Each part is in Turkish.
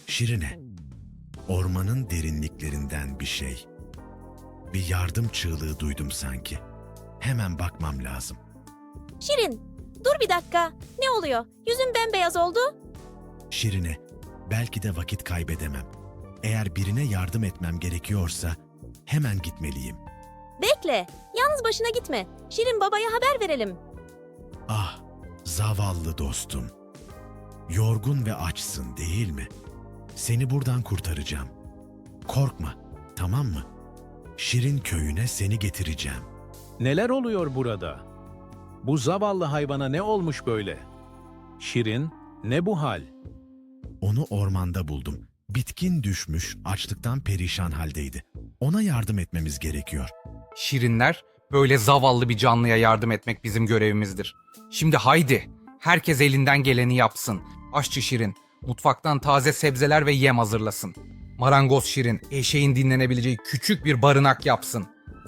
Şirine, ormanın derinliklerinden bir şey. Bir yardım çığlığı duydum sanki. Hemen bakmam lazım. Şirin, dur bir dakika. Ne oluyor? Yüzün bembeyaz oldu. Şirine, belki de vakit kaybedemem. Eğer birine yardım etmem gerekiyorsa hemen gitmeliyim. Bekle, yalnız başına gitme. Şirin babaya haber verelim. Ah, zavallı dostum. Yorgun ve açsın değil mi? Seni buradan kurtaracağım. Korkma, tamam mı? Şirin köyüne seni getireceğim. Neler oluyor burada? Bu zavallı hayvana ne olmuş böyle? Şirin, ne bu hal? Onu ormanda buldum. Bitkin düşmüş, açlıktan perişan haldeydi. Ona yardım etmemiz gerekiyor. Şirinler, böyle zavallı bir canlıya yardım etmek bizim görevimizdir. Şimdi haydi, herkes elinden geleni yapsın. Aşçı Şirin, mutfaktan taze sebzeler ve yem hazırlasın. Marangoz Şirin, eşeğin dinlenebileceği küçük bir barınak yapsın.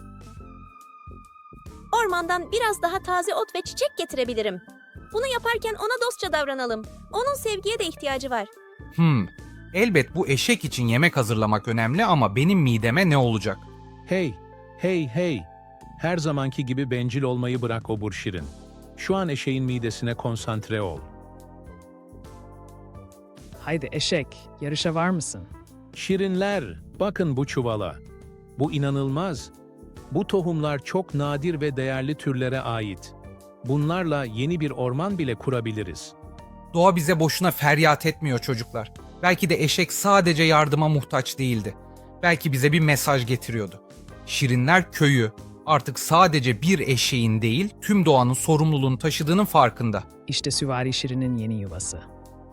Ormandan biraz daha taze ot ve çiçek getirebilirim. Bunu yaparken ona dostça davranalım. Onun sevgiye de ihtiyacı var. Elbet bu eşek için yemek hazırlamak önemli ama benim mideme ne olacak? Hey, hey, hey! Her zamanki gibi bencil olmayı bırak obur Şirin. Şu an eşeğin midesine konsantre ol. Haydi eşek, yarışa var mısın? Şirinler, bakın bu çuvala. Bu inanılmaz. Bu tohumlar çok nadir ve değerli türlere ait. Bunlarla yeni bir orman bile kurabiliriz. Doğa bize boşuna feryat etmiyor çocuklar. Belki de eşek sadece yardıma muhtaç değildi. Belki bize bir mesaj getiriyordu. Şirinler köyü artık sadece bir eşeğin değil, tüm doğanın sorumluluğunu taşıdığının farkında. İşte Süvari Şirin'in yeni yuvası.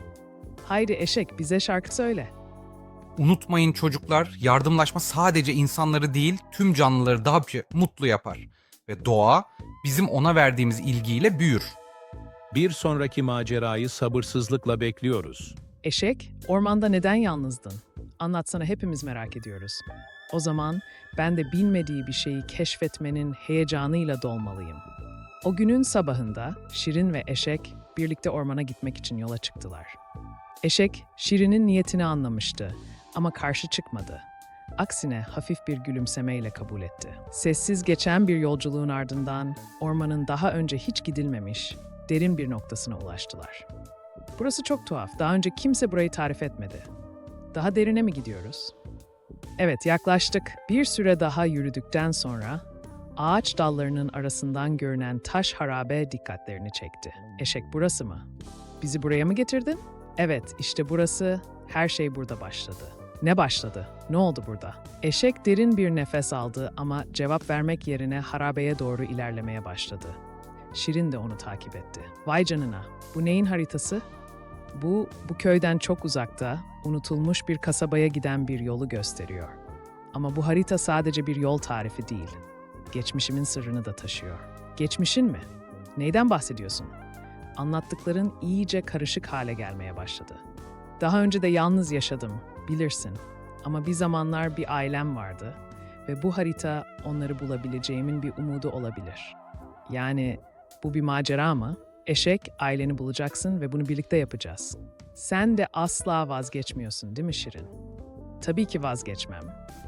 Haydi eşek, bize şarkı söyle. Unutmayın çocuklar, yardımlaşma sadece insanları değil, tüm canlıları daha mutlu yapar. Ve doğa bizim ona verdiğimiz ilgiyle büyür. Bir sonraki macerayı sabırsızlıkla bekliyoruz. Eşek, ormanda neden yalnızdın? Anlatsana, hepimiz merak ediyoruz. O zaman ben de bilmediği bir şeyi keşfetmenin heyecanıyla dolmalıyım. O günün sabahında Şirin ve eşek birlikte ormana gitmek için yola çıktılar. Eşek, Şirin'in niyetini anlamıştı ama karşı çıkmadı. Aksine hafif bir gülümsemeyle kabul etti. Sessiz geçen bir yolculuğun ardından ormanın daha önce hiç gidilmemiş derin bir noktasına ulaştılar. Burası çok tuhaf. Daha önce kimse burayı tarif etmedi. Daha derine mi gidiyoruz? Evet, yaklaştık. Bir süre daha yürüdükten sonra ağaç dallarının arasından görünen taş harabe dikkatlerini çekti. Eşek, burası mı? Bizi buraya mı getirdin? Evet, işte burası. Her şey burada başladı. Ne başladı? Ne oldu burada? Eşek derin bir nefes aldı ama cevap vermek yerine harabeye doğru ilerlemeye başladı. Şirin de onu takip etti. Vay canına, bu neyin haritası? Bu köyden çok uzakta, unutulmuş bir kasabaya giden bir yolu gösteriyor. Ama bu harita sadece bir yol tarifi değil. Geçmişimin sırrını da taşıyor. Geçmişin mi? Neyden bahsediyorsun? Anlattıkların iyice karışık hale gelmeye başladı. Daha önce de yalnız yaşadım, bilirsin. Ama bir zamanlar bir ailem vardı ve bu harita onları bulabileceğimin bir umudu olabilir. Yani bu bir macera mı? Eşek, aileni bulacaksın ve bunu birlikte yapacağız. Sen de asla vazgeçmiyorsun, değil mi Şirin? Tabii ki vazgeçmem.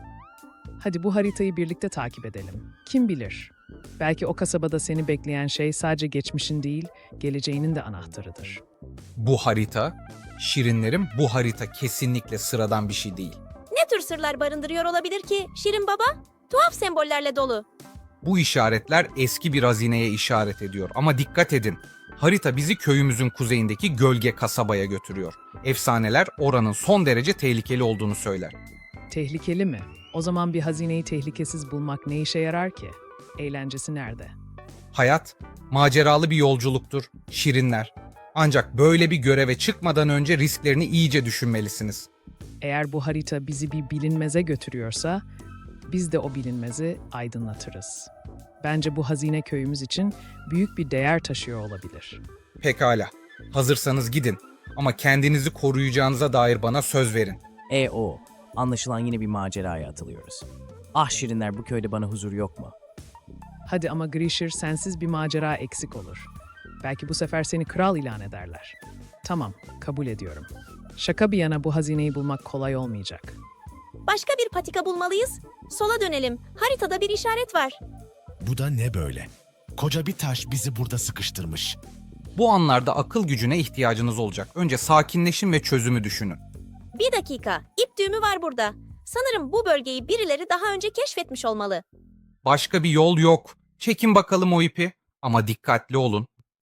Hadi bu haritayı birlikte takip edelim. Kim bilir? Belki o kasabada seni bekleyen şey sadece geçmişin değil, geleceğinin de anahtarıdır. Bu harita, Şirinlerim, bu harita kesinlikle sıradan bir şey değil. Ne tür sırlar barındırıyor olabilir ki Şirin baba? Tuhaf sembollerle dolu. Bu işaretler eski bir hazineye işaret ediyor ama dikkat edin. Harita bizi köyümüzün kuzeyindeki gölge kasabaya götürüyor. Efsaneler oranın son derece tehlikeli olduğunu söyler. Tehlikeli mi? O zaman bir hazineyi tehlikesiz bulmak ne işe yarar ki? Eğlencesi nerede? Hayat, maceralı bir yolculuktur, Şirinler. Ancak böyle bir göreve çıkmadan önce risklerini iyice düşünmelisiniz. Eğer bu harita bizi bir bilinmeze götürüyorsa, biz de o bilinmezi aydınlatırız. Bence bu hazine köyümüz için büyük bir değer taşıyor olabilir. Pekala, hazırsanız gidin ama kendinizi koruyacağınıza dair bana söz verin. Anlaşılan yine bir maceraya atılıyoruz. Ah Şirinler, bu köyde bana huzur yok mu? Hadi ama Grisher, sensiz bir macera eksik olur. Belki bu sefer seni kral ilan ederler. Tamam, kabul ediyorum. Şaka bir yana bu hazineyi bulmak kolay olmayacak. Başka bir patika bulmalıyız. Sola dönelim. Haritada bir işaret var. Bu da ne böyle? Koca bir taş bizi burada sıkıştırmış. Bu anlarda akıl gücüne ihtiyacınız olacak. Önce sakinleşin ve çözümü düşünün. Bir dakika. İp düğümü var burada. Sanırım bu bölgeyi birileri daha önce keşfetmiş olmalı. Başka bir yol yok. Çekin bakalım o ipi. Ama dikkatli olun.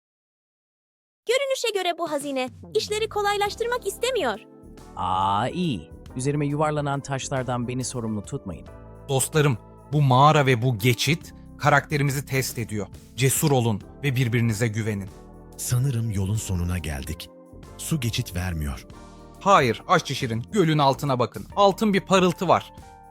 Görünüşe göre bu hazine işleri kolaylaştırmak istemiyor. İyi. Üzerime yuvarlanan taşlardan beni sorumlu tutmayın. Dostlarım, bu mağara ve bu geçit karakterimizi test ediyor. Cesur olun ve birbirinize güvenin. Sanırım yolun sonuna geldik. Su geçit vermiyor. Hayır, Aşçı Şirin, gölün altına bakın. Altın bir parıltı var.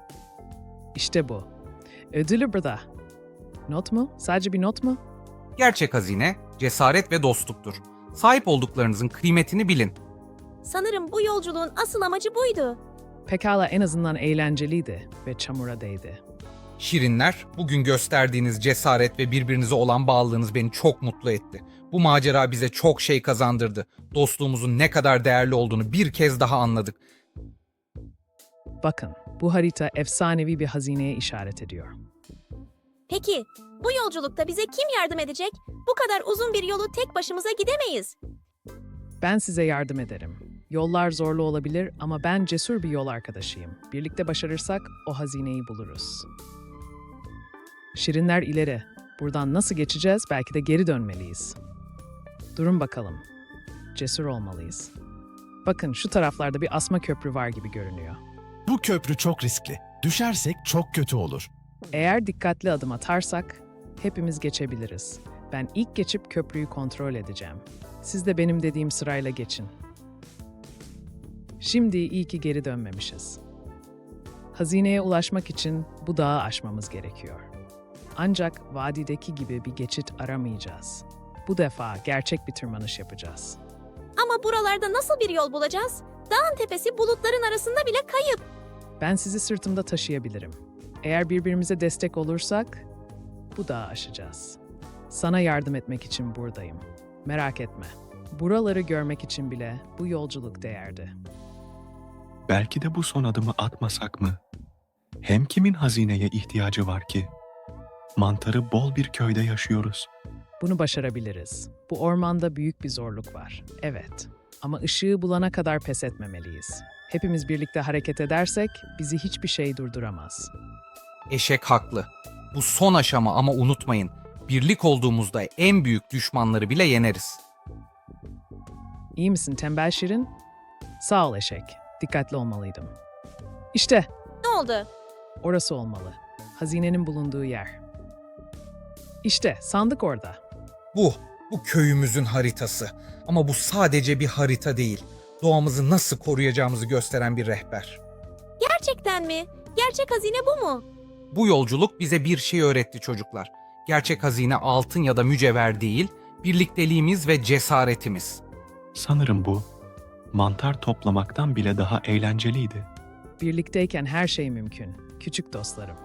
İşte bu. Ödülü burada. Not mu? Sadece bir not mu? Gerçek hazine, cesaret ve dostluktur. Sahip olduklarınızın kıymetini bilin. Sanırım bu yolculuğun asıl amacı buydu. Pekala en azından eğlenceliydi ve çamura değdi. Şirinler, bugün gösterdiğiniz cesaret ve birbirinize olan bağlılığınız beni çok mutlu etti. Bu macera bize çok şey kazandırdı. Dostluğumuzun ne kadar değerli olduğunu bir kez daha anladık. Bakın, bu harita efsanevi bir hazineye işaret ediyor. Peki, bu yolculukta bize kim yardım edecek? Bu kadar uzun bir yolu tek başımıza gidemeyiz. Ben size yardım ederim. Yollar zorlu olabilir ama ben cesur bir yol arkadaşıyım. Birlikte başarırsak o hazineyi buluruz. Şirinler ileri. Buradan nasıl geçeceğiz? Belki de geri dönmeliyiz. Durun bakalım. Cesur olmalıyız. Bakın şu taraflarda bir asma köprü var gibi görünüyor. Bu köprü çok riskli. Düşersek çok kötü olur. Eğer dikkatli adım atarsak hepimiz geçebiliriz. Ben ilk geçip köprüyü kontrol edeceğim. Siz de benim dediğim sırayla geçin. Şimdi iyi ki geri dönmemişiz. Hazineye ulaşmak için bu dağı aşmamız gerekiyor. Ancak vadideki gibi bir geçit aramayacağız. Bu defa gerçek bir tırmanış yapacağız. Ama buralarda nasıl bir yol bulacağız? Dağın tepesi bulutların arasında bile kayıp. Ben sizi sırtımda taşıyabilirim. Eğer birbirimize destek olursak bu dağı aşacağız. Sana yardım etmek için buradayım. Merak etme. Buraları görmek için bile bu yolculuk değerdi. Belki de bu son adımı atmasak mı? Hem kimin hazineye ihtiyacı var ki? Mantarı bol bir köyde yaşıyoruz. Bunu başarabiliriz. Bu ormanda büyük bir zorluk var. Evet. Ama ışığı bulana kadar pes etmemeliyiz. Hepimiz birlikte hareket edersek bizi hiçbir şey durduramaz. Eşek haklı. Bu son aşama ama unutmayın. Birlik olduğumuzda en büyük düşmanları bile yeneriz. İyi misin tembel Şirin? Sağ ol eşek. Dikkatli olmalıydım. İşte Ne oldu? orası olmalı. Hazinenin bulunduğu yer. İşte sandık orada. Bu köyümüzün haritası. Ama bu sadece bir harita değil. Doğamızı nasıl koruyacağımızı gösteren bir rehber. Gerçekten mi? Gerçek hazine bu mu? Bu yolculuk bize bir şey öğretti çocuklar. Gerçek hazine altın ya da mücevher değil, birlikteliğimiz ve cesaretimiz. Sanırım bu, mantar toplamaktan bile daha eğlenceliydi. Birlikteyken her şey mümkün. Küçük dostlarım.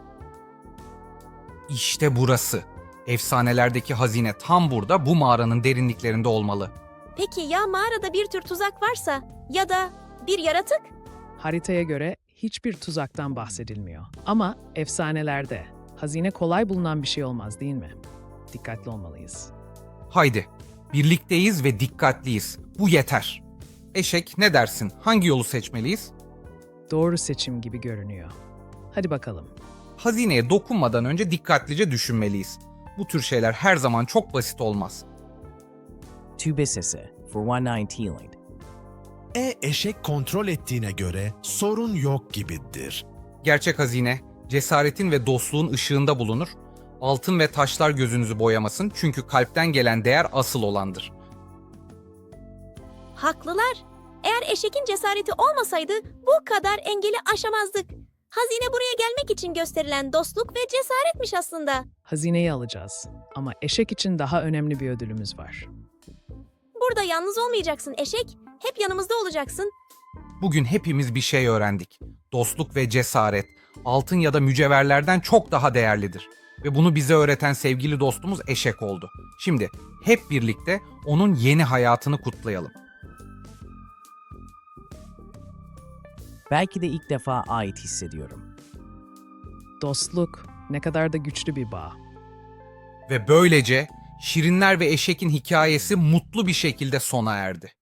İşte burası. Efsanelerdeki hazine tam burada, bu mağaranın derinliklerinde olmalı. Peki ya mağarada bir tür tuzak varsa ya da bir yaratık? Haritaya göre hiçbir tuzaktan bahsedilmiyor. Ama efsanelerde hazine kolay bulunan bir şey olmaz değil mi? Dikkatli olmalıyız. Haydi, birlikteyiz ve dikkatliyiz. Bu yeter. Eşek, ne dersin? Hangi yolu seçmeliyiz? Doğru seçim gibi görünüyor. Hadi bakalım. Hazineye dokunmadan önce dikkatlice düşünmeliyiz. Bu tür şeyler her zaman çok basit olmaz. Tübe sesi for one nine healing. Eşek kontrol ettiğine göre sorun yok gibidir. Gerçek hazine, cesaretin ve dostluğun ışığında bulunur. Altın ve taşlar gözünüzü boyamasın çünkü kalpten gelen değer asıl olandır. Haklılar. Eğer eşekin cesareti olmasaydı bu kadar engeli aşamazdık. Hazine buraya gelmek için gösterilen dostluk ve cesaretmiş aslında. Hazineyi alacağız. Ama eşek için daha önemli bir ödülümüz var. Burada yalnız olmayacaksın eşek. Hep yanımızda olacaksın. Bugün hepimiz bir şey öğrendik. Dostluk ve cesaret, altın ya da mücevherlerden çok daha değerlidir. Ve bunu bize öğreten sevgili dostumuz Eşek oldu. Şimdi hep birlikte onun yeni hayatını kutlayalım. Belki de ilk defa ait hissediyorum. Dostluk ne kadar da güçlü bir bağ. Ve böylece Şirinler ve Eşek'in hikayesi mutlu bir şekilde sona erdi.